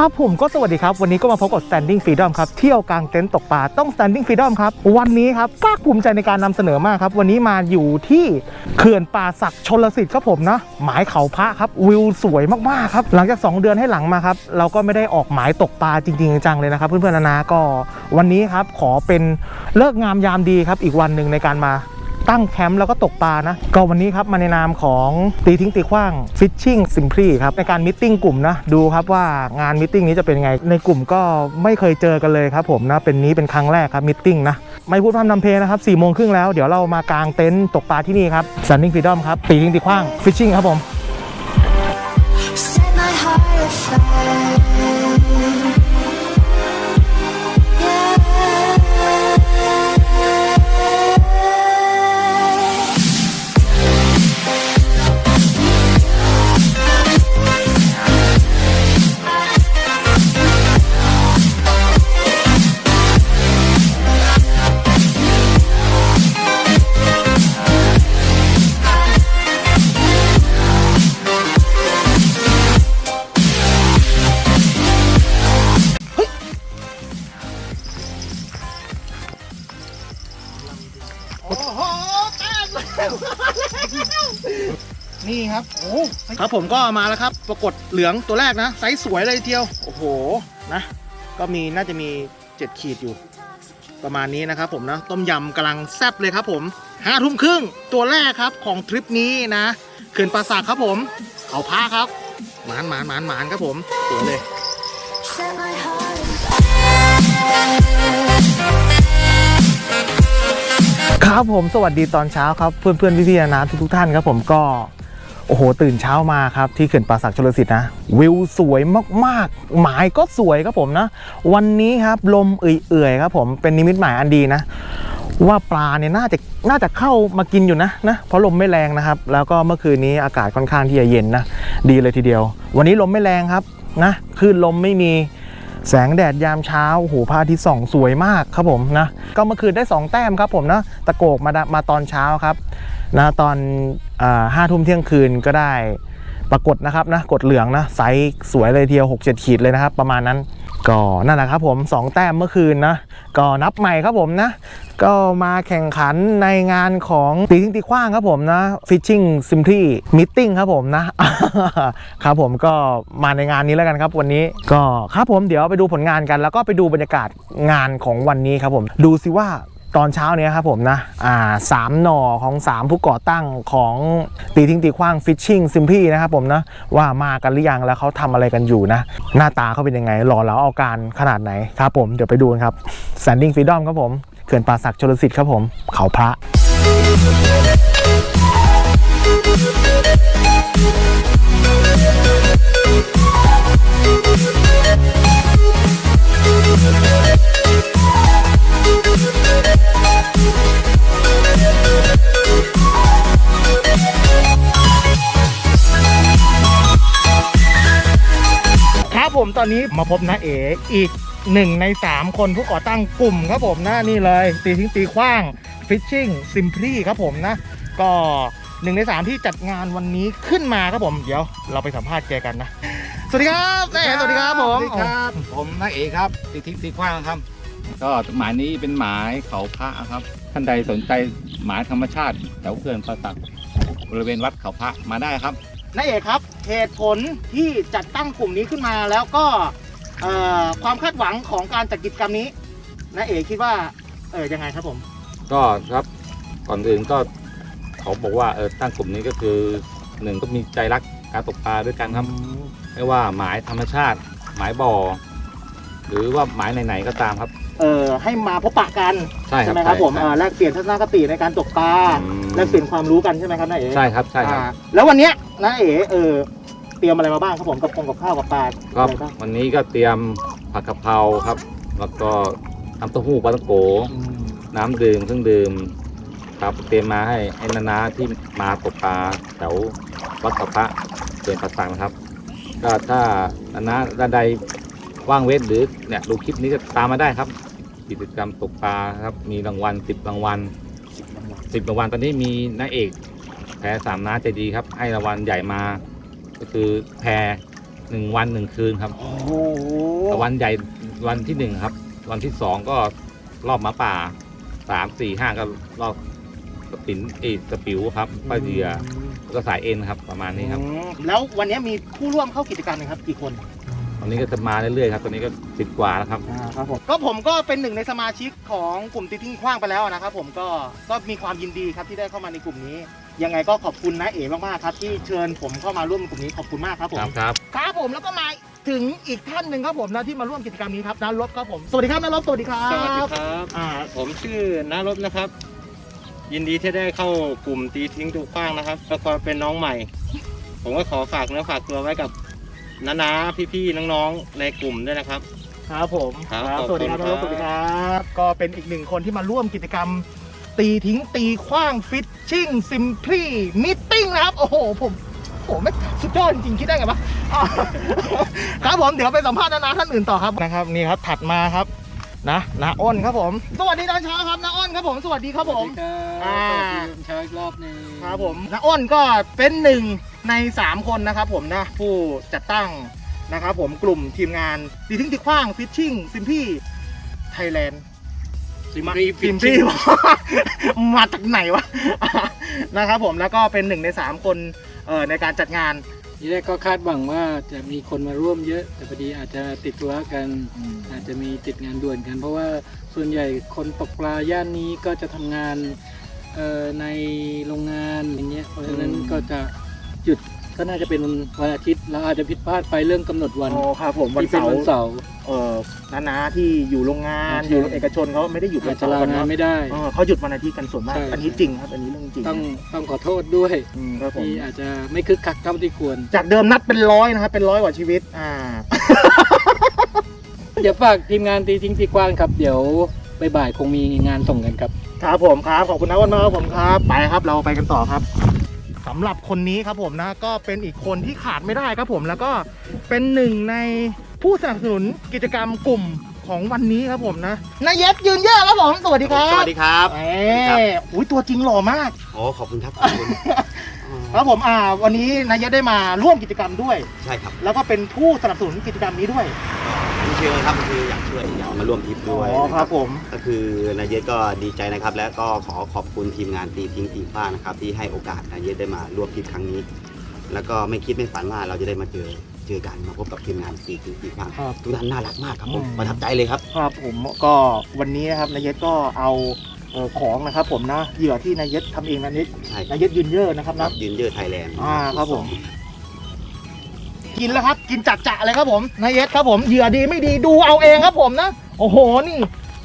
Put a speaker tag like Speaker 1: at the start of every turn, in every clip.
Speaker 1: ครับผมก็สวัสดีครับวันนี้ก็มาพบกับ Standing Freedom ครับเที่ยวกลางเต็นท์ตกปลาต้อง Standing Freedom ครับวันนี้ครับภาคภูมิใจในการนำเสนอมากครับวันนี้มาอยู่ที่เขื่อนป่าสักชลสิทธิ์ครับผมนะหมายเขาพระครับวิวสวยมากๆครับหลังจาก2 เดือนให้หลังมาครับเราก็ไม่ได้ออกหมายตกปลาจริงๆจังเลยนะครับเพื่อนๆนะก็วันนี้ครับขอเป็นเลิกงามยามดีครับอีกวันหนึ่งในการมาตั้งแคมป์แล้วก็ตกปลานะก็วันนี้ครับมาในนามของตีทิ้งตีขว้าง Fishing Simply ครับในการมิทติ้งกลุ่มนะดูครับว่างานมิทติ้งนี้จะเป็นไงในกลุ่มก็ไม่เคยเจอกันเลยครับผมนะเป็นนี้เป็นครั้งแรกครับมิทติ้งนะไม่พูดพร่ำทำเพลงนะครับ4:30แล้วเดี๋ยวเรามากางเต็นท์ตกปลาที่นี่ครับ Standing Freedom ครับตีทิ้งตีขว้าง Fishing ครับผม นี่ครับโอ้ครับผมก็มาแล้วครับปรากฏเหลืองตัวแรกนะไซส์สวยเลยทีเดียวโอ้โหนะก็น่าจะมี7 ขีดอยู่ประมาณนี้นะครับผมนะต้มยำกำลังแซ่บเลยครับผม5:30ตัวแรกครับของทริปนี้นะเขื่อนป่าสักครับผมเขาพาครับหมานครับผมสวยเลยครับผมสวัสดีตอนเช้าครับเพื่อนๆพี่ๆนะทุกท่านครับผมก็โอ้โหตื่นเช้ามาครับที่เขื่อนป่าสักชลสิทธิ์นะวิวสวยมากๆหมายก็สวยครับผมนะวันนี้ครับลมเอื่อยๆครับผมเป็นนิมิตหมายอันดีนะว่าปลาเนี่ยน่าจะเข้ามากินอยู่นะเพราะลมไม่แรงนะครับแล้วก็เมื่อคืนนี้อากาศค่อนข้างที่จะเย็นนะดีเลยทีเดียววันนี้ลมไม่แรงครับนะคลื่นลมไม่มีแสงแดดยามเช้าโอ้โหพระอาทิตย์ส่องสวยมากครับผมนะก็เมื่อคืนได้2 แต้มครับผมนะตะโกกมาตอนเช้าครับนะตอน5 ทุ่มเที่ยงคืนก็ได้ปรากฏนะครับนะกดเหลืองนะไซส์สวยเลยทีเดียว6-7 ขีดเลยนะครับประมาณนั้นก็นั่นแหละครับผม2 แต้มเมื่อคืนนะก็นับใหม่ครับผมนะก็มาแข่งขันในงานของตีทิ้งตีขว้างครับผมนะ Fishing Simply Meeting ครับผมนะครับผมก็มาในงานนี้แล้วกันครับวันนี้ก็ครับผมเดี๋ยวไปดูผลงานกันแล้วก็ไปดูบรรยากาศงานของวันนี้ครับผมดูสิว่าตอนเช้านี้ครับผมนะ3 หน่อของ3 ผู้ก่อตั้งของตีทิ้งตีขว้าง Fishing Simply นะครับผมนะว่ามากันหรือยังแล้วเขาทำอะไรกันอยู่นะหน้าตาเขาเป็นยังไงหล่อเหลาเอาการขนาดไหนครับผมเดี๋ยวไปดูกันครับ Standing Freedom ครับผมเขื่อนป่าสักชลสิทธิ์ครับผมเขาพระครับผมตอนนี้มาพบน้าเอ๋อีก1 ใน 3 คนผู้ก่อตั้งกลุ่มครับผมนะนี่เลยตีทิ้งตีขว้าง Fishing Simply ครับผมนะก็1 ใน 3ที่จัดงานวันนี้ขึ้นมาครับผมเดี๋ยวเราไปสัมภาษณ์แกกันนะสวัสดีครับน้าเอ๋สวัสดีครับผม
Speaker 2: ครับผมน้าเอ๋ครับตีทิ้งตีขว้างครับก็หมายนี้เป็นหมายเขาพระครับท่านใดสนใจหมายธรรมชาติแถวเขื่อนป่าสักบริเวณวัดเขาพระมาได้ครับ
Speaker 1: น้าเอ๋ครับเหตุผลที่จัดตั้งกลุ่มนี้ขึ้นมาแล้วก็ความคาดหวังของการจัดกิจกรรมนี้น้าเอ๋คิดว่ายังไงครับผม
Speaker 2: ก็ครับก่อนอื่นก็เขาบอกว่าตั้งกลุ่มนี้ก็คือ1ก็มีใจรักการตกปลาด้วยกันครับไม่ว่าหมายธรรมชาติหมายบ่อหรือว่าหมายไหนๆก็ตามครับ
Speaker 1: ให้มาพบปะกัน
Speaker 2: ใช่
Speaker 1: ไหมครับผมแลกเปลี่ยนทัศนคติในการตกปลาแลกเปลี่ยนความรู้กันใช่ไหมครับน้าเอ๋
Speaker 2: ใช่ครับ
Speaker 1: แล้ววันนี้น้าเอ๋เตรียมอะไรมาบ้างครับผมกับข้าวกับปลา
Speaker 2: ครับวันนี้ก็เตรียมผักกะเพราครับแล้วก็น้ำเต้าหู้ปลาตะโกน้ำดื่มเครื่องดื่มครับเตรียมมาให้นาที่มาตกปลาแถววัดเขาพระเขื่อนป่าสักนะครับก็ถ้าด้านใดว่างเว้นหรือเนี่ยดูคลิปนี้ก็ตามมาได้ครับกิจกรรมตกปลาครับมีรางวัล10 รางวัล10 รางวัลตอนนี้มีน้าเอกแพร3 น้าใจดีครับให้รางวัลใหญ่มาก็คือแพร 1 วัน 1 คืนครับ
Speaker 1: โอ้โห
Speaker 2: แต่วันใหญ่วันที่ 1 ครับ วันที่ 2 ก็รอบหมาป่า 3 4 5 ก็รอบสปิวครับป้าเดือแล้วก็สายเอ็นครับประมาณนี้ครับ
Speaker 3: แล้ววันนี้มีผู้ร่วมเข้ากิจกรรมนะครับกี่คน
Speaker 2: ตอนนี้ก็จะมาเรื่อยๆครับตอนนี้ก็10 กว่าแล้วครับ
Speaker 3: ครับผมก็เป็นหนึ่งในสมาชิกของกลุ่มตีทิ้งขว้างไปแล้วนะครับผมก็มีความยินดีครับที่ได้เข้ามาในกลุ่มนี้ ยังไงก็ขอบคุณนะเอ๋มากๆครับที่เชิญผมเข้ามาร่วมกลุ่มนี้ขอบคุณมากครับผม
Speaker 2: ครับ
Speaker 3: ครับผมแล้วก็มาถึงอีกท่านหนึ่งครับผมนะที่มาร่วมกิจกรรมนี้ครับน้ารบครับผมสวัสดีครับน้ารบสวัสดีครับ
Speaker 4: สวัสดีครับ ผมชื่อนารบนะครับ ยินดีที่ได้เข้ากลุ่มตีทิ้งถูกขว้างนะครับแล้วก็เป็นน้องใหม่ ผมก็ขอฝากเนื้อฝากตัวไว้กับน้าๆพี่ๆน้องๆในกลุ่มด้วยนะครับ
Speaker 3: ครับผม
Speaker 4: ครับ
Speaker 3: สวัสดีครับ
Speaker 4: ขอบคุณครับ
Speaker 3: สวัสดีครับก็เป็นอีกหนึ่งคนที่มาร่วมกิจกรรม ตีทิ้งตีขว้างฟิชชิ่งซิมพลีมิทติ้งนะครับโอ้โหผมไม่สุดยอดจริงๆคิดได้ไงวะอ่าครับผมเดี๋ยวไปสัมภาษณ์น้าท่านอื่นต่อครับนะครับนี่ครับถัดมาครับน้าอ้นครับผมสวัสดีตอนเช้าครับน้าอ้นครับผมสวัสดีครับผม อ่า
Speaker 4: สวัสดีเช้าอีกรอบหนึง
Speaker 3: ครับผมน้าอ้นก็เป็นหนึ่งใน3 คนนะครับผมนะผู้จัดตั้งนะครับผมกลุ่มทีมงานตีทิ้งตีขว้างฟิชชิ่งซิมพลีไทยแลนด์
Speaker 4: ซิมพลี
Speaker 3: ฟิล์มพี่ มาจากไหนวะ นะครับผมแล้วก็เป็น1 ใน 3 คนในการจัดงาน
Speaker 5: ทีแรกก็คาดหวังว่าจะมีคนมาร่วมเยอะ แต่พอดีอาจจะติดธุระกัน อาจจะมีติดงานด่วนกัน เพราะว่าส่วนใหญ่คนตกปลาย่านนี้ก็จะทำงานในโรงงานอย่างเงี้ยเพราะฉะนั้นก็จะหยุดก็น่าจะเป็นวันอาทิตย์เราอาจจะผิดพลาดไปเรื่องกำหนดวัน
Speaker 3: อ๋อครับผมวัน
Speaker 5: ที่เป็น
Speaker 3: เสา
Speaker 5: วัน
Speaker 3: ร์
Speaker 5: เสาร์
Speaker 3: น้าที่อยู่โรงงาน
Speaker 5: ใช่
Speaker 3: อยู่เอกชนเขาไม่ได้หยุด
Speaker 5: อา
Speaker 3: วั
Speaker 5: จ
Speaker 3: น
Speaker 5: จะ
Speaker 3: เสาร์
Speaker 5: ลา
Speaker 3: กัน
Speaker 5: งาน
Speaker 3: เนาะ
Speaker 5: ไม่ได้
Speaker 3: เขาหยุดวันอาทิตย์กันส่วนมาก
Speaker 5: ใช่
Speaker 3: อันนี้จริงครับอันนี้เรื่องจริง
Speaker 5: ต้องขอโทษด้วย
Speaker 3: ครับผม
Speaker 5: ที่อาจจะไม่คึกคักเท่าที่ควร
Speaker 3: จากเดิมนัดเป็น100นะครับเป็น100 กว่าชีวิต
Speaker 5: เดี๋ยวฝากทีมงานตีทิ้งตีกว้างครับ เดี๋ยวบ่ายๆคงมีงานส่งกันครับ
Speaker 3: ครับผมครับขอบคุณนะวันมากครับผมครับไปครับเราไปกันต่อครับสำหรับคนนี้ครับผมนะก็เป็นอีกคนที่ขาดไม่ได้ครับผมแล้วก็เป็นหนึ่งในผู้สนับสนุนกิจกรรมกลุ่มของวันนี้ครับผมนะนายเย็ดยืนเยอะครับผมสวัสดีครับ
Speaker 6: สวัสดีครับ
Speaker 3: อุ้ยตัวจริงหล่อมาก
Speaker 6: โอ้ขอบคุณครับ ขอบคุณ
Speaker 3: ครับผมวันนี้นายเย็ดได้มาร่วมกิจกรรมด้วย
Speaker 6: ใช่ครับ
Speaker 3: แล้วก็เป็นผู้สนับสนุนกิจกรรมนี้ด้วย
Speaker 6: คุณเชื่อครับคืออยากช่วยอยากมาร่วมทริปด้วย
Speaker 3: อ๋อ
Speaker 6: นะครับ
Speaker 3: ผม
Speaker 6: ก็คือนายเยศก็ดีใจนะครับ และก็ขอขอบคุณทีมงานตีทิ้งตีฟ้างนะครับที่ให้โอกาสนายเยศได้มาร่วมทริปครั้งนี้ แล้วก็ไม่คิดไม่ฝันว่าเราจะได้มาเจอกันมาพบกับทีมงานตีทิ้งตีฟ้างทุกท่านน่ารักมากครับผมประทับใจเลยครับ
Speaker 3: ครับผมก็วันนี้นะครับนายเย็ดก็เอาของนะครับผมนะเหยื่อที่นายเย็ดทำเองนะนิด
Speaker 6: ใช่ครั
Speaker 3: นา
Speaker 6: บ
Speaker 3: ยเย็ดยืนเยอะนะครับ
Speaker 6: ครั
Speaker 3: นะ
Speaker 6: บยืนเยอะไทยแลนด์
Speaker 3: ครับผม กินแล้วครับ กินจัดจะเลยครับผมนายเย็ดครับผมเหยื่อดีไม่ดีดูเอาเองครับผมนะโอ้โหนี่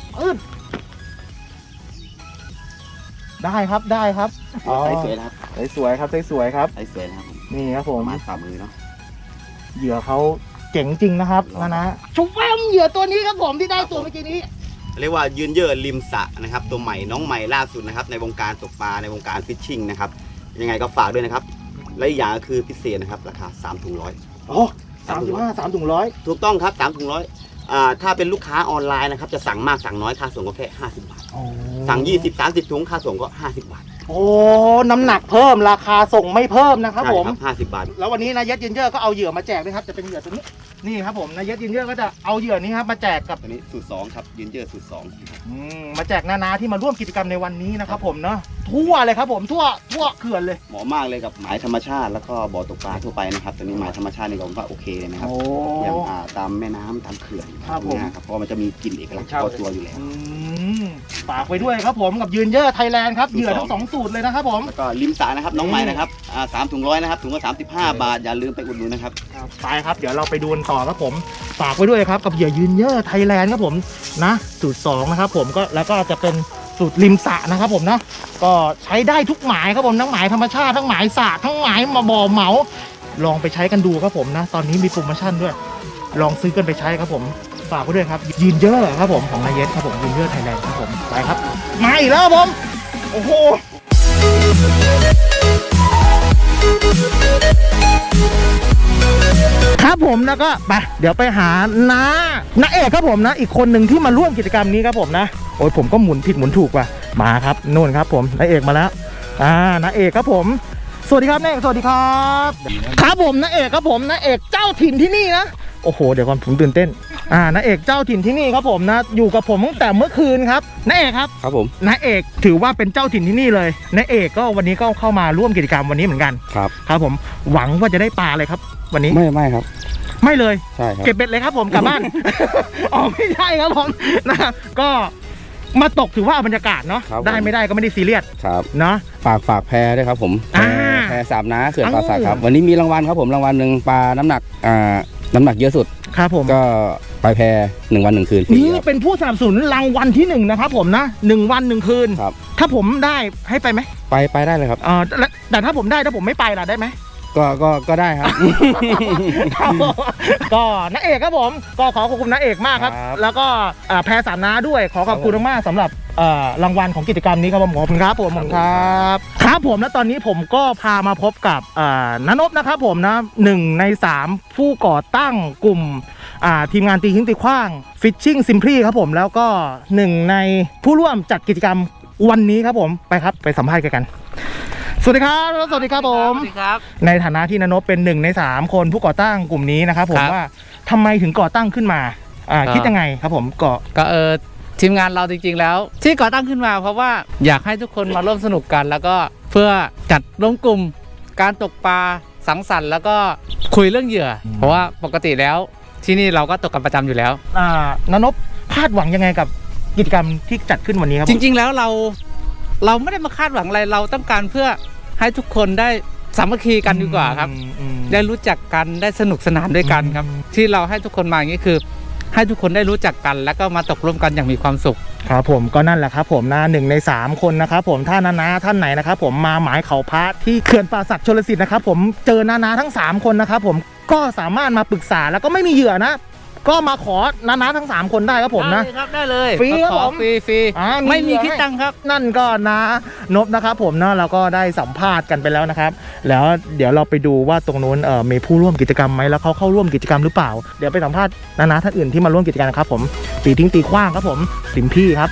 Speaker 3: ได้ครับได้ครับ
Speaker 6: ใส่สวยนะครับ
Speaker 3: สวยครับสวยครับ
Speaker 6: ใส่สวยนะครับผม
Speaker 3: นี่ครับผ
Speaker 6: ป
Speaker 3: ม
Speaker 6: ระมาณฝ่ามือเนาะ
Speaker 3: เหยื่อเขาเจ๋งจริงนะครับนะชุบแวมเหยื่อตัวนี้ครับผมที่ได้ตัวเมื่อกี้นี้
Speaker 6: เรียกว่ายืนเยอะริมสระนะครับตัวใหม่น้องใหม่ล่าสุดนะครับในวงการตกปลาในวงการฟิชชิ่งนะครับยังไงก็ฝากด้วยนะครับและอีกอย่างก็คือพิเศษนะครับราคา3 ถุงร้อย
Speaker 3: โอ้3 ถุงร้อย
Speaker 6: ถูกต้องครับ3 ถุงร้อยถ้าเป็นลูกค้าออนไลน์นะครับจะสั่งมากสั่งน้อยค่าส่งก็แค่50 บาท สั่ง 20-30 ถุงค่าส่งก็50 บาท
Speaker 3: โอ้น้ำหนักเพิ่มราคาส่งไม่เพิ่มนะครับ
Speaker 6: ใช่
Speaker 3: ผม
Speaker 6: ครับ50 บาท
Speaker 3: แล้ววันนี้นายเย็ดยืนเยอะก็เอาเหยื่อมาแจกด้วยครับจะเป็นเหยื่อตัวนี้นี่ครับผมนายเย็ดยืนเยอะก็จะเอาเหยื่อนี้ครับมาแจกกับ
Speaker 6: ตัวนี้สูตร2ครับยืนเยอะสูตร2
Speaker 3: มาแจกนาที่มาร่วมกิจกรรมในวันนี้นะครับผมเนาะทั่วเลยครับผมทั่วเขื่อนเลย
Speaker 6: เหมาะมากเลยกับหมายธรรมชาติแล้วก็บ่อตกปลาทั่วไปนะครับตัวนี้หมายธรรมชาตินี่ผมว่าโอเคเลยนะครับ
Speaker 3: โอ้
Speaker 6: อย่างตามแม่น้ำตามเขื่อน
Speaker 3: ครับผม
Speaker 6: นะครับเพราะมันจะมีกลิ่นเอกลักษณ์เฉพาะตัวอยู่แล้ว
Speaker 3: ฝากไว้ด้วยครับผมกับยืนเยอะไทยแลนด์ครับเหยื่อทั้ง2 สูตรเลยนะครับผม
Speaker 6: แล้วก็ริมสระนะครับน้องใหม่นะครับ3 ถุงร้อยนะครับถุงละ35 บาทอย่าลืมไปอุดหนุนนะครับ
Speaker 3: ไปครับเดี๋ยวเราไปดูกันต่อครับผมฝากไว้ด้วยครับกับเหยื่อยืนเยอะไทยแลนด์ครับผมนะสูตร2นะครับผมก็แล้วก็จะเป็นสูตรริมสระนะครับผมนะก็ใช้ได้ทุกหมายครับผมทั้งหมายธรรมชาติทั้งหมายสระทั้งหมายมาบ่อเหมาลองไปใช้กันดูครับผมนะตอนนี้มีโปรโมชั่นด้วยลองซื้อกันไปใช้ครับผมฝากไว้ด้วยครับยืนเยอะครับผมของนายเยสครับผมยืนเยอะไทยแลนด์ครับผมไปครับมาอีกแล้วครับผมโอ้โหครับผมแล้วก็ไปเดี๋ยวไปหาน้าเอกครับผมนะอีกคนหนึ่งที่มาร่วมกิจกรรมนี้ครับผมนะโอ้ยผมก็หมุนผิดหมุนถูกว่ะมาครับนู่นครับผมน้าเอกมาแล้วน้าเอกครับผมวัสดีครับน้าเอกสวัสดีครับครับผมน้าเอกครับผมน้าเอกเจ้าถิ่นที่นี่นะโอ้โหเดี๋ยวก่อนผมตื่นเต้นน้าเอกเจ้าถิ่นที่นี่ครับผมนะอยู่กับผมตั้งแต่เมื่อคืนครับน้าเอกครับ
Speaker 6: ครับผม
Speaker 3: น้าเอกถือว่าเป็นเจ้าถิ่นที่นี่เลยน้าเอกก็วันนี้ก็เข้ามาร่วมกิจกรรมวันนี้เหมือนกัน
Speaker 6: ครับ
Speaker 3: ครับผมหวังว่าจะได้ปลาเลยครับ วันนี้
Speaker 6: ไม่ครับ
Speaker 3: ไม่เลย
Speaker 6: ใช่ครับ
Speaker 3: เก็บเบ็ดเลยครับผมกลับบ้าน อ๋อไม่ใช่ครับผมนะครับก็มาตกถือว่าเอาบรรยากาศเนาะ
Speaker 6: ครับผม
Speaker 3: ได้ไม่ได้ก็ไม่ได้ซีเรียส
Speaker 6: ครับ
Speaker 3: เนาะ
Speaker 6: ฝากแพรด้วยครับผมแพ
Speaker 3: อ่า
Speaker 6: แพรสามน้าเขื่อน
Speaker 3: เอ้า
Speaker 6: ป่าสักครับวันนี้มีรางวัลครับผมรางวัลหนึ่งปลาน้ำหนักเยอะสุด
Speaker 3: ครับผม
Speaker 6: ก็ไปแพร1 วัน 1 คืนฟรี
Speaker 3: นี่
Speaker 6: ครับ
Speaker 3: เป็นผู้สนับสนุนรางวัลที่1นะครับผมนะ1 วัน 1 คืน
Speaker 6: ครับ
Speaker 3: ถ้าผมได้ให้ไปไหม
Speaker 6: ไปได้เลยครับ
Speaker 3: แต่ถ้าผมได้ถ้าผมไม่ไปล่ะได้ไหม
Speaker 6: ก็ได้ครับ
Speaker 3: ก็น้าเอกครับผมก็ขอขอบคุณน้าเอกมากครับ
Speaker 6: ครับ
Speaker 3: แล้วก็แพรสามน้าด้วยขอขอบคุณมากๆสำหรับรางวัลของกิจกรรมนี้ครับผมขอบคุณครับผมครับครับผมและตอนนี้ผมก็พามาพบกับณนพนะครับผมนะ1 ใน 3 ผู้ก่อตั้งกลุ่มทีมงานตีทิ้งตีขว้าง Fishing Simply ครับผมแล้วก็1 ในผู้ร่วมจัดกิจกรรมวันนี้ครับผมไปครับไปสัมภาษณ์กันสวัสดีครับสวัสดีครับผม
Speaker 7: สวัสดีครับ
Speaker 3: ในฐานะที่ณนพเป็น1 ใน 3 คนผู้ก่อตั้งกลุ่มนี้นะครับผม
Speaker 7: ครับ
Speaker 3: ว่าทำไมถึงก่อตั้งขึ้นมาคิดยังไงครับผมก็
Speaker 7: ก็ทีมงานเราจริงๆแล้ว ที่ก่อตั้งขึ้นมาเพราะว่าอยากให้ทุกคนมาร่วมสนุกกัน แล้วก็เพื่อจัดรวมกลุ่มการตกปลาสังสรรค์แล้วก็คุยเรื่องเหยื่อ เพราะว่าปกติแล้วที่นี่เราก็ตกกันประจำอยู่แล้ว
Speaker 3: ณนพคาดหวังยังไงกับกิจกรรมที่จัดขึ้นวันนี้ครับ
Speaker 7: จริงๆแล้วเราไม่ได้มาคาดหวังอะไรเราต้องการเพื่อให้ทุกคนได้สามัคคีกันดีกว่าครับ ได้รู้จักกันได้สนุกสนานด้วยกันครับ ที่เราให้ทุกคนมาอย่างนี้คือ ให้ทุกคนได้รู้จักกันแล้วก็มาตกร่วมกันอย่างมีความสุข
Speaker 3: ครับผมก็นั่นแหละครับผมนะ1 ใน 3 คนนะครับผมถ้านาท่านไหนนะครับผมมาหมายเขาพระที่เขื่อนป่าสักชลสิทธิ์นะครับผมเจอนาทั้ง3 คนนะครับผมก็สามารถมาปรึกษาแล้วก็ไม่มีเหยื่อนะ ก็มาขอนาทั้ง3 คนได้ครับผมนะ
Speaker 7: ได้เลยครับได้เลย
Speaker 3: ฟรีครับ
Speaker 7: ขอ
Speaker 3: ผม
Speaker 7: ฟรี ไม่มีคิดตังค์ครับ
Speaker 3: นั่นก็นะนพนะครับผมนะเราก็ได้สัมภาษณ์กันไปแล้วนะครับ แล้วเดี๋ยวเราไปดูว่าตรงนู้นมีผู้ร่วมกิจกรรมไหมแล้วเขาเข้าร่วมกิจกรรมหรือเปล่าเดี๋ยวไปสัมภาษณ์นาท่านอื่นที่มาร่วมกิจกรรมครับผมตีทิ้งตีขว้างครับผมสิมพี่ครับ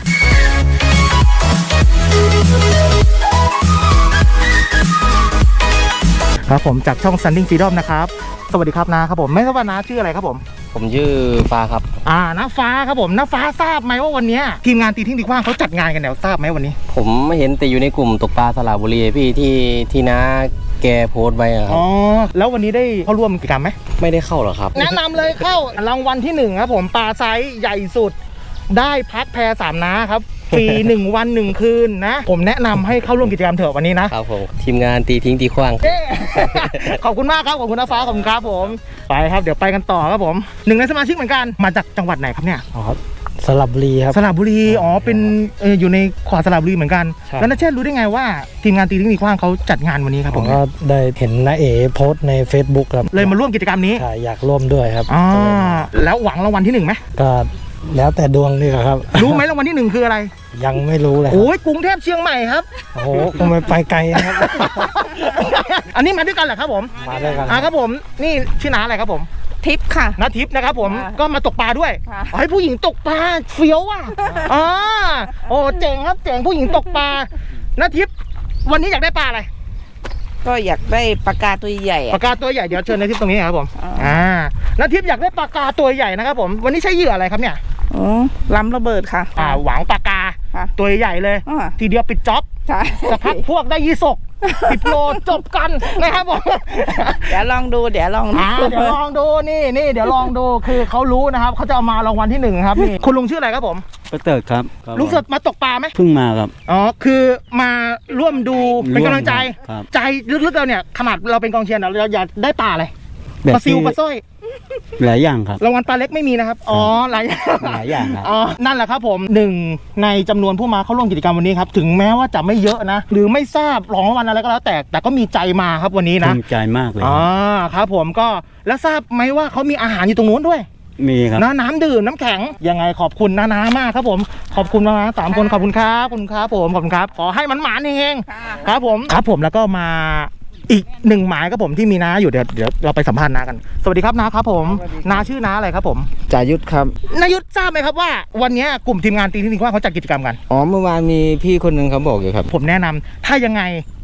Speaker 3: ครับผมจากช่อง Standing Freedom นะครับสวัสดีครับนะครับผมไม่ทราบว่านาชื่ออะไรครับผม
Speaker 8: ผมชื่อฟ้าครับ
Speaker 3: น้าฟ้าครับผมน้าฟ้าทราบไหมว่าวันนี้ทีมงานตีทิ้งตีขว้างเขาจัดงานกันแล้วทราบไหมวันนี้
Speaker 8: ผมไม่เห็นแต่อยู่ในกลุ่มตกปลาสระบุรีพี่ที่น้าแกโพสต์ไว้อะครับ
Speaker 3: อ๋อแล้ววันนี้ได้เข้าร่วมกิจกรรมไหม
Speaker 8: ไม่ได้เข้าหรอครับ
Speaker 3: แนะนำเลยเข้ารางวัลที่1ครับผมปลาไซส์ใหญ่สุดได้พักแพสามน้าครับฟรี 1 วัน 1 คืนนะผมแนะนำให้เข้าร่วมกิจกรรมเถอะวันนี้นะครับ
Speaker 8: ผมทีมงานตีทิ้งตีขว้าง
Speaker 3: เย้ ขอบคุณมากครับขอบคุณน้าฟ้าขอบคุณครับผมไปครับเดี๋ยวไปกันต่อครับผม1 ในสมาชิกเหมือนกันมาจากจังหวัดไหนครับเนี่ย
Speaker 5: อ๋อสระบุรีครับ
Speaker 3: สระบุรีอ๋อเป็นอยู่ในขวาสระบุรีเหมือนกัน
Speaker 5: ใช่
Speaker 3: แล้วนัชเชษรู้ได้ไงว่าทีมงานตีทิ้งตีขว้างเขาจัดงานวันนี้ครับ
Speaker 5: ผ
Speaker 3: ผม ม
Speaker 5: ก็ได้เห็นน้าเอ๋โพสต์ใน Facebook ครับ
Speaker 3: เลยมาร่วมกิจกรรมนี้
Speaker 5: ใช่อยากร่วมด้วยครับ
Speaker 3: อ๋อ
Speaker 5: ก็เลยมา
Speaker 3: แล้วหวังรางวัลที่1ไหม
Speaker 5: ก็แล้วแต่ดวงนี่ครับ
Speaker 3: รู้ไหมรางวัลที่1คืออะไร
Speaker 5: ยังไม่รู้เลยครับ
Speaker 3: โอ้ยกรุงเทพเชียงใหม่ครับ
Speaker 5: โอ้โหคงไปไกลนะครับ
Speaker 3: อันนี้มาด้วยกันเหรอครับผม
Speaker 5: มาด้วยกัน
Speaker 3: ครับผมนี่ชื่อน้าอะไรครับผม
Speaker 9: ทิปค่ะ
Speaker 3: น้าทิพย์นะครับผม
Speaker 9: ค่ะ
Speaker 3: ก็มาตกปลาด้วย
Speaker 9: ค่ะ
Speaker 3: อ๋อให้ผู้หญิงตกปลาเฟี้ยวว่ะอ๋อโอ้เจ๋งครับเจ๋งผู้หญิงตกปลาน้าทิพย์วันนี้อยากได้ปลาอะไร
Speaker 9: ก็อยากได้ปลากาตัวใหญ่
Speaker 3: ปลากาตัวใหญ่เดี๋ยวเชิญน้าทิพย์ตรงนี้ครับผม
Speaker 9: อ่า
Speaker 3: น้าทิพย์อยากได้ปลากาตัวใหญ่นะครับผมวันนี้ใช้เหยื่ออะไรครับเนี่ย
Speaker 9: อ๋อล้ำระเบิดค่ะ
Speaker 3: หวังปลากา
Speaker 9: ค่ะ
Speaker 3: ตัวใหญ่เลย
Speaker 9: อ่า
Speaker 3: ทีเดียวปิดจ็อบ
Speaker 9: ใช่
Speaker 3: สักพักพวกได้ยี่สก10 โลจบกันนะครับผม
Speaker 9: เดี๋ยวลองดู
Speaker 3: เดี๋ยวลองดูนี่เดี๋ยวลองดูคือเขารู้นะครับเขาจะเอามารางวัลที่1ครับนี่คุณลุงชื่ออะไรครับผม
Speaker 10: ประเติดครับ
Speaker 3: ลุงเสิร์ชมาตกปลาไหม
Speaker 10: เพิ่งมาครับ
Speaker 3: อ๋อคือมาร่วมดูเป็นกำลังใจ
Speaker 10: ครับ
Speaker 3: ใจลึกๆเราเนี่ยขนาดเราเป็นกองเชียร์เราอยากได้ปลาอะไร
Speaker 10: แบบ
Speaker 3: ปลาซิว
Speaker 10: ที่
Speaker 3: ปลาสร้อย
Speaker 10: หลายอย่างครับ
Speaker 3: รางวัลปลาเล็กไม่มีนะครับอ๋อหลายอย่าง
Speaker 10: หลายอย่างครับ
Speaker 3: อ๋อนั่นแหละครับผม1 ในจำนวนผู้มาเข้าร่วมกิจกรรมวันนี้ครับถึงแม้ว่าจะไม่เยอะนะหรือไม่ทราบรางวัลอะไรก็แล้วแต่ก็มีใจมาครับวันนี้นะ
Speaker 10: ภูมิใจมากเลย
Speaker 3: อ๋อครับผมก็แล้วทราบไหมว่าเขามีอาหารอยู่ตรงนู้นด้วย
Speaker 10: มีครับ
Speaker 3: น้ำดื่มน้ำแข็งยังไงขอบคุณน้ามากครับผมขอบคุณนะ3 คนขอบคุณครับขอบคุณครับผมขอบคุณครับขอให้มันหมานเฮงๆครับผมแล้วก็มาอีก1 หมายครับผมที่มีน้าอยู่เดี๋ยวเราไปสัมภาษณ์น้ากันสวัสดีครับน้าครับผมน้าชื่อน้าอะไรครับผม
Speaker 11: จายุทธครับ
Speaker 3: นายุทธทราบไหมครับว่าวันนี้กลุ่มทีมงานตีทิ้งตีขว้างเขาจัดกิจกรรมกัน
Speaker 11: อ๋อ เมื่อวานมีพี่คนหนึ่งเขาบอกอยู่ครับ
Speaker 3: ผมแนะนำถ้ายังไง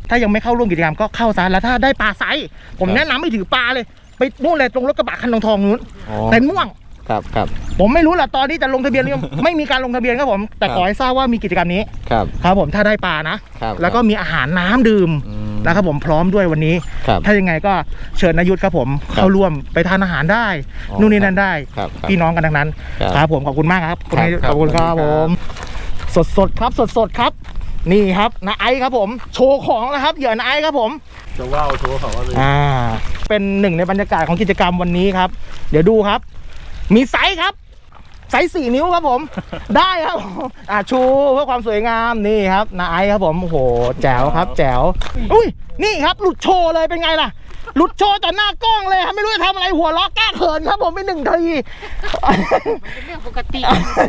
Speaker 3: ถ้ายังไม่เข้าร่วมกิจกรรมก็เข้าซะแล้วถ้าได้ปลาไซส์ผมแนะนำให้ถือปลาเลยไปนู่นเลยตรงรถกระบะคันทองนู้นเต็นท์ม่วง
Speaker 8: ครับครับ
Speaker 3: ผมไม่รู้แหละตอนนี้จะลงทะเบียนหรือยัง ไม่มีการลงทะเบียนครับผมแต่ขอให้ทราบว่ามีกิจกรรมนี้
Speaker 8: ครับ
Speaker 3: ครับผมถ้าได้ปลานะครับ แล้วก็มีอาหารน้ำดื่มนะครับผมพร้อมด้วยวันนี้
Speaker 8: ครับ
Speaker 3: ถ้ายังไงก็เชิญนายุทธครับผมเข้าร่วมไปทานอาหารได้
Speaker 8: อ๋อ
Speaker 3: นู่นนี่นั่นได้
Speaker 8: ครับครับ
Speaker 3: พี่น้องกันทั้งนั้น
Speaker 8: ครับ
Speaker 3: ครับผมขอบคุณมากครับ
Speaker 8: ครับ
Speaker 3: ขอบคุณครับ
Speaker 8: ขอบ
Speaker 3: ผ
Speaker 8: คุณครับ
Speaker 3: มสดครับสดครับ นี่ครับนาไอซ์ครับผมโชว์ของนะครับเหยื่อนาไอซ์ครับผม
Speaker 4: จะว่าวโชว์เขาเลย
Speaker 3: เป็นหนึ่งในบรรยากาศของกิจกรรมวันนี้ครับ เดี๋ยวดูครับ มีไซส์ครับไซส์4 นิ้วครับผม ได้ครับชูเพื่อความสวยงามนี่ครับนาไอซ์ครับผมโอ้โหแจ๋วครับแจ๋วอุ้ยนี่ครับหลุดโชว์เลยเป็นไงล่ะหลุดโชว์ต่อหน้ากล้องเลยครับไม่รู้จะทำอะไรหัวล้อแก้เขินครับผมไป1 ทีเป็นเรื่องปกติ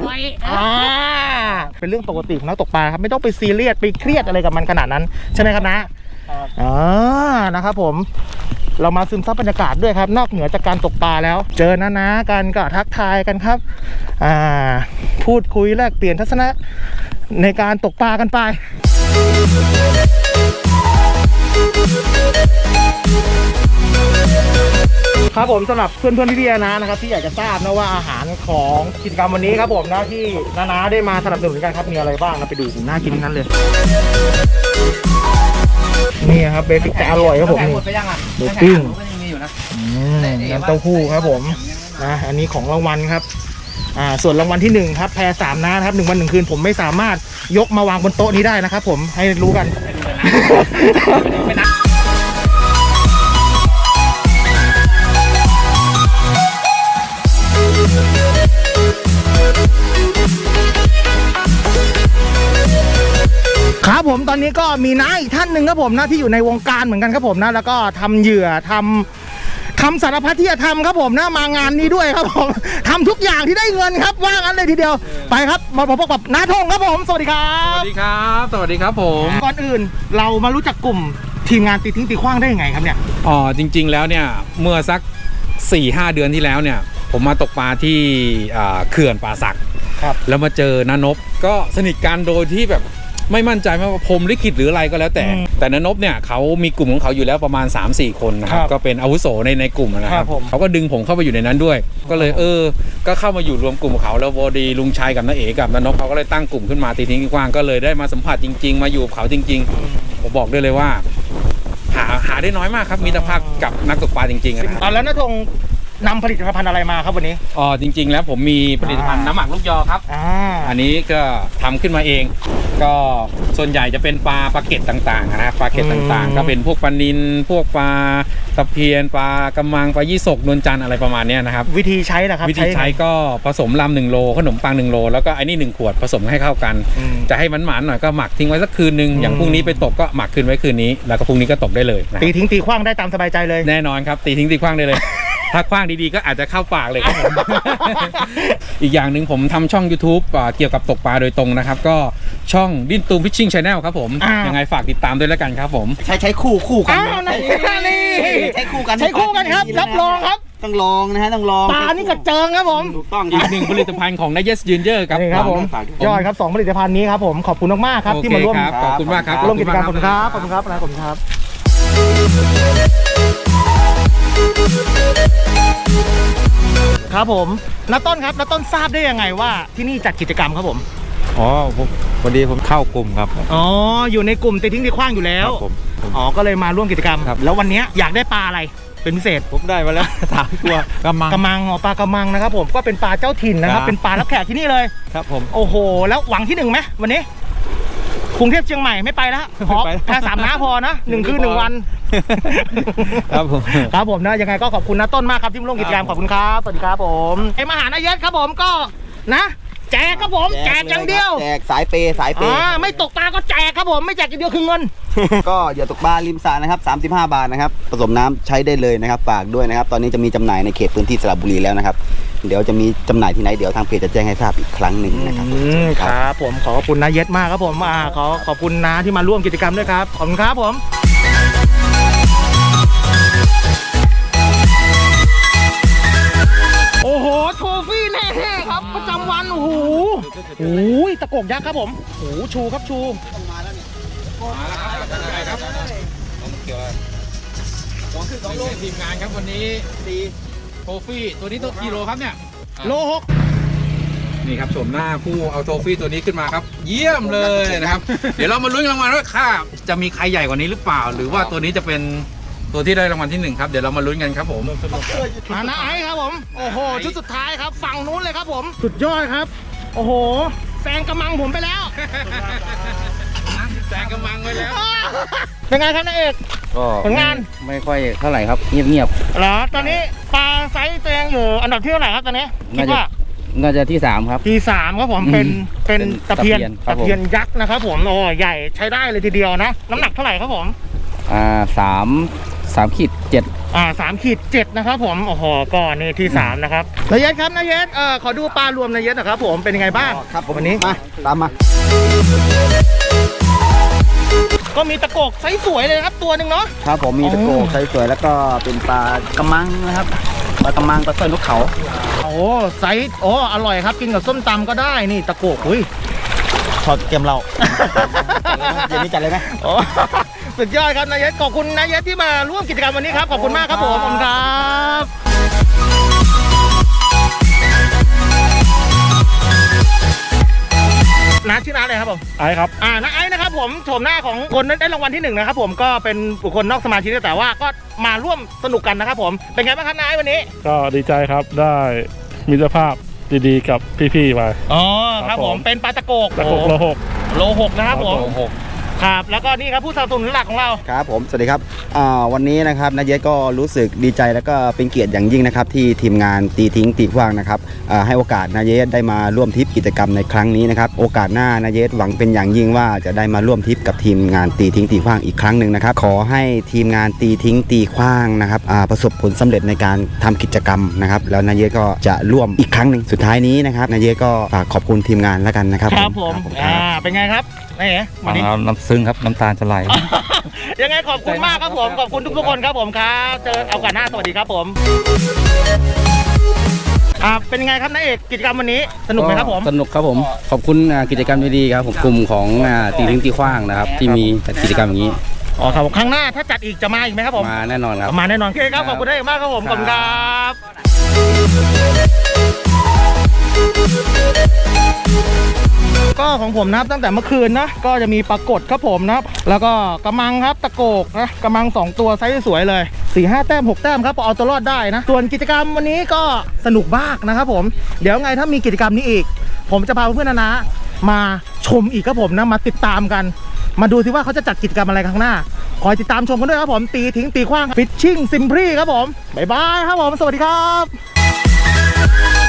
Speaker 3: เป็นเรื่องปกติของนักตกปลาครับไม่ต้องไปซีเรียสไปเครียดอะไรกับมันขนาดนั้นใช่ไหมครับนะนะครับผมเรามาซึมซับบรรยากาศด้วยครับนอกเหนือจากการตกปลาแล้วเจอนะกันก็ทักทายกันครับพูดคุยแลกเปลี่ยนทัศนะในการตกปลากันไปครับผมสำหรับเพื่อนพี่นะครับที่อยากจะทราบนะว่าอาหารของกิจกรรมวันนี้ครับผมนะที่นาได้มาสนับสนุนกันครับมีอะไรบ้างนะไปดูน่ากินทั้งนั้นเลยนี่ครับเบสิกแต่อร่อยครับผมนี่หมูปิ้งน้ำเต้าหู้ครับผมนะอันนี้ของรางวัลครับส่วนรางวัลที่1ครับแพร3นะครับ1 วัน 1 คืนผมไม่สามารถยกมาวางบนโต๊ะนี้ได้นะครับผมให้รู้กัน ครับผมตอนนี้ก็มีน้าอีกท่านหนึ่งครับผมนะที่อยู่ในวงการเหมือนกันครับผมนะแล้วก็ทำเหยื่อทำสารพัดที่จะทำครับผมนะมางานนี้ด้วยครับผมทำทุกอย่างที่ได้เงินครับว่างั้นเลยทีเดียวไปครับมาพบกับน้าธงครับผมสวัสดีครับ
Speaker 7: สวัสดีครับสวัสดีครับผม
Speaker 3: ก่อนอื่นเรามารู้จักกลุ่มทีมงานตีทิ้งตีขว้างได้ยังไงครับเนี่ย
Speaker 11: อ๋อจริงๆแล้วเนี่ยเมื่อสัก 4-5 เดือนที่แล้วเนี่ยผมมาตกปลาที่เขื่อนป่าสักแล้วมาเจอนานบก็สนิทกันโดยที่แบบไม่มั่นใจว่าพรหมลิขิตหรืออะไรก็แล้วแต่นานบเนี่ยเขามีกลุ่มของเขาอยู่แล้วประมาณ 3-4 คนนะครับก็เป็นอาวุโสในกลุ่มนะครับเขาก็ดึงผมเข้าไปอยู่ในนั้นด้วยก็เลยก็เข้ามาอยู่รวมกลุ่มเขาแล้วพอดีลุงชัยกับน้าเอ๋กับนานบเขาก็เลยตั้งกลุ่มขึ้นมาตีทิ้งกว้างก็เลยได้มาสัมผัสจริงๆมาอยู่กับเขาจริงๆผมบอกได้เลยว่าหาได้น้อยมากครับมิตรภาพกับนักตกปลาจริงๆนะครับ
Speaker 3: แล้วน้าธงนำผลิตภัณฑ์อะไรมาครับวันนี้
Speaker 11: อ๋อจริงๆแล้วผมมีผลิตภัณฑ์น้ำหมักลูกยอครับอันนี้ก็ทำขึ้นมาเองก็ส่วนใหญ่จะเป็นปลาเก็ดต่างๆนะครับปลาเก็ดต่างๆก็เป็นพวกปลานิลพวกปลาตะเพียนปลากระมังปลายี่สกนวลจันทร์อะไรประมาณนี้นะครับ
Speaker 3: วิธีใช้นะครับ
Speaker 11: วิธีใช้ก็ผสมลำ1 โลขนมปัง1 โลแล้วก็ไอ้นี่1 ขวดผสมให้เข้ากันจะให้มันหวานหน่อยก็หมักทิ้งไว้สักคืนนึงอย่างพรุ่งนี้ไปตกก็หมักคืนไว้คืนนี้แล้วก็พรุ่งนี้ก็ตกได้เลย
Speaker 3: ตีทิ้งตีขว้างได้ตามสบายใจเลย
Speaker 11: แน่นอนครับตีทิ้งตีขว้างได้เลยถ้าคว้างดีๆก็อาจจะเข้าปากเลยครับผม อีกอย่างหนึ่งผมทำช่อง YouTube เกี่ยวกับตกปลาโดยตรงนะครับก็ช่องดิ้นตูมฟิชชิ่งชาแนลครับผมยังไงฝากติดตามด้วยแล้วกันครับผม
Speaker 6: ใช้คู่กัน
Speaker 3: นี่
Speaker 6: ใช้คู่กัน
Speaker 3: ครับรับรองครับ
Speaker 6: ต้องลองนะฮะต้องลอง
Speaker 3: ปลานี่กระเจิงครับผม
Speaker 6: ถูกต้อง
Speaker 11: อีก1 ผลิตภัณฑ์ของนายเยสยืนเยอะ
Speaker 3: ครับผมยอดครับ2 ผลิตภัณฑ์นี้ครับผมขอบคุณมากๆครับที่มาร่วม
Speaker 11: ขอบคุณมากครับ
Speaker 3: ร่วมกิจกรรมขอบคุณครับขอบคุณครับนะขอบคุณครับครับผมน้าต้นครับน้าต้นทราบได้ยังไงว่าที่นี่จัดกิจกรรมครับผม
Speaker 12: อ๋อพอดีผมเข้ากลุ่มครับ
Speaker 3: อ๋ออยู่ในกลุ่มตีทิ้งตีขว้างอยู่แล้วอ๋อก็เลยมาร่วมกิจกรรมแล้ววันนี้อยากได้ปลาอะไรเป็นพิเศษ
Speaker 12: ผมได้มาแล้ว3 ตัว
Speaker 3: กระมังปลากระมังนะครับผมก็เป็นปลาเจ้าถิ่นนะครับเป็นปลารับแขกที่นี่เลย
Speaker 12: ครับผม
Speaker 3: โอ้โหแล้วหวังที่1ไหมวันนี้กรุงเทพเชียงใหม่ไม่ไปแล้วขอแค่3 น้าพอนะ1 คืน 1 วันครับผมนะยังไงก็ขอบคุณนะต้นมากครับที่มาร่วมกิจกรรมขอบคุณครับสวัสดีครับผมไอมหานายศครับผมก็นะแจกครับผมแจกอย่างเดียว
Speaker 6: แจกสายเป
Speaker 3: ไม่ตกปลาก็แจกครับผมไม่แจกอย่างเดียวคือเงิน
Speaker 6: ก็อย่าตกปลาริมสระนะครับ35 บาทนะครับผสมน้ำใช้ได้เลยนะครับฝากด้วยนะครับตอนนี้จะมีจำหน่ายในเขตพื้นที่สระบุรีแล้วนะครับเดี๋ยวจะมีจำหน่ายที่ไหนเดี๋ยวทางเพจจะแจ้งให้ทราบอีกครั้งหนึ่งนะครับ
Speaker 3: ครับผมขอบคุณนายศมากครับผมขอบคุณนะที่มาร่วมกิจกรรมด้วยครับขอบคุณครับผมโอ้โหโทฟี่แน่ๆครับประจำวันโอ้โหตะโกกยักษ์ครับผมโอ้โหชูครับชูมาแล้วเนี่ย
Speaker 11: เกี่ยวหัวคือ2 โลทีมงานครับวันนี้ดีโทฟี่ตัวนี้ตัวกิโลครับเนี่ย
Speaker 3: โล
Speaker 11: นี่ครับชมหน้าผู้เอาโทฟี่ตัวนี้ขึ้นมาครับ เยี่ยมเลยนะครับ เดี๋ยวเรามาลุ้นรางวัลว่าค่าจะมีใครใหญ่กว่านี้หรือเปล่า หรือว่าตัวนี้จะเป็นตัวที่ได้รางวัลที่ 1ครับเดี๋ยวเรามาลุ้นกันครับผม
Speaker 3: 6นาไอซ์ครับผมโอ้โหชุดสุดท้ายครับฝั่งนู้นเลยครับผมสุดยอดครับโอ้โหแซงกำมังผมไปแล้ว
Speaker 11: แซงกำมังไปแล้ว
Speaker 3: เป็นไงครับนายเอก
Speaker 8: ก็
Speaker 3: ผลงาน
Speaker 8: ไม่ค่อยเท่าไหร่ครับ เงียบ
Speaker 3: เหรอตอนนี้ปลาไซส์ตัวเองอยู่อันดับที่เท่าไหร่ครับตอนนี้คิดว่า
Speaker 8: ๆน่าจะที่ 3 ครับ
Speaker 3: ที่3ครับผมเป็น
Speaker 8: เป็น
Speaker 3: ตะเพียน
Speaker 8: ครับผม
Speaker 3: ตะเพียนยักษ์นะครับผมโอ้ใหญ่ใช้ได้เลยทีเดียวนะน้ำหนักเท่าไหร่ครับผม 3-7 นะครับผมโอ้โหก็นี่ที่3นะครับนายเยศครับนายเยศขอดูปลารวมนายเยศนะครับผมเป็นยังไงบ้าง
Speaker 6: ครับผม
Speaker 3: วันนี้
Speaker 6: มาตามมา
Speaker 3: ก็มีตะโกกไซส์สวยเลยครับตัวหนึ่งเนาะ
Speaker 6: ครับผมมีตะโกไซส์สวยแล้วก็เป็นปลากระมังนะครับปลากระมังปลาสร้อยนกเขา
Speaker 3: โอ้ไซส์โอ้อร่อยครับกินกับส้มตำก็ได้นี่ตะโกกอุ้ย
Speaker 6: ขอเกมเรา เย็นนี้จัดเลยไหม
Speaker 3: โอ้สุดยอดครับนายเยศขอบคุณนายเยศที่มาร่วมกิจกรรมวันนี้ครับขอบคุณมากครับผมขอบคุณครับน้าชื่อน้าอะไรครับผม
Speaker 12: ไอ้ครับ
Speaker 3: น้าไอ้นะครับผมโฉมหน้าของคนนั้นได้รางวัลที่1นะครับผมก็เป็นบุคคลนอกสมาชิกแต่ว่าก็มาร่วมสนุกกันนะครับผมเป็นไงบ้างครับน้าไอ้วันนี้
Speaker 12: ก็ดีใจครับได้มิตรภาพดีๆกับพี่ๆไป
Speaker 3: อ๋อครับผมเป็นปลาตะโกก
Speaker 12: ตะโกกโลหก
Speaker 3: โล 6นะครับผมครับแล้วก็นี่ครับผู้สนับสนุนหลักของเรา
Speaker 6: ครับผมสวัสดีครับวันนี้นะครับนายเยศก็รู้สึกดีใจแล้วก็เป็นเกียรติอย่างยิ่งนะครับที่ทีมงานตีทิ้งตีขว้างนะครับให้โอกาสนายเยศได้มาร่วมทริปกิจกรรมในครั้งนี้นะครับโอกาสหน้านายเยศหวังเป็นอย่างยิ่งว่าจะได้มาร่วมทริปกับทีมงานตีทิ้งตีขว้างอีกครั้งหนึ่งนะครับขอให้ทีมงานตีทิ้งตีขว้างนะครับประสบผลสำเร็จในการทำกิจกรรมนะครับแล้วนายเยศก็จะร่วมอีกครั้งหนึ่งสุดท้ายนี้นะครับนายเยศก็ฝากขอบคุณทีมงานแล้วกันนะครับ
Speaker 3: ครับผมเป็นไงครับนี่วันนี้
Speaker 11: น้ำซึ้งครับน้ำตาจะไหล
Speaker 3: ยังไงขอบคุณมากครับผมขอบคุณทุกๆคนครับผมครับเจอเอากันหน้าสวัสดีครับผมเป็นยังไงครับนายเอกกิจกรรมวันนี้สนุกไหมครับผม
Speaker 8: สนุกครับผมขอบคุณกิจกรรมดีๆครับผมกลุ่มของตีทิ้งตีขว้างนะครับที่มีกิจกรรมอย่างนี้
Speaker 3: อ๋อครับครั้งหน้าถ้าจัดอีกจะมาอีกไหมครับผม
Speaker 8: มาแน่นอนครับ
Speaker 3: มาแน่นอนโอเคครับขอบคุณได้มากครับผมขอบคุณครับก็ของผมนะครับตั้งแต่เมื่อคืนนะก็จะมีปรากฏครับผมนะครับแล้วก็กระมังครับตะโกกนะกระมัง2ตัวไซส์สวยเลย 4-5 แต้ม 6 แต้มครับพอเอาตัวรอดได้นะส่วนกิจกรรมวันนี้ก็สนุกมากนะครับผมเดี๋ยวไงถ้ามีกิจกรรมนี้อีกผมจะพาเพื่อนๆนะมาชมอีกครับผมนะมาติดตามกันมาดูสิว่าเขาจะจัดกิจกรรมอะไรข้างหน้าคอยติดตามชมกันด้วยครับผมตีทิ้งตีขว้างฟิชชิ่งซิมพรีครับผมบ๊ายบายครับผมสวัสดีครับ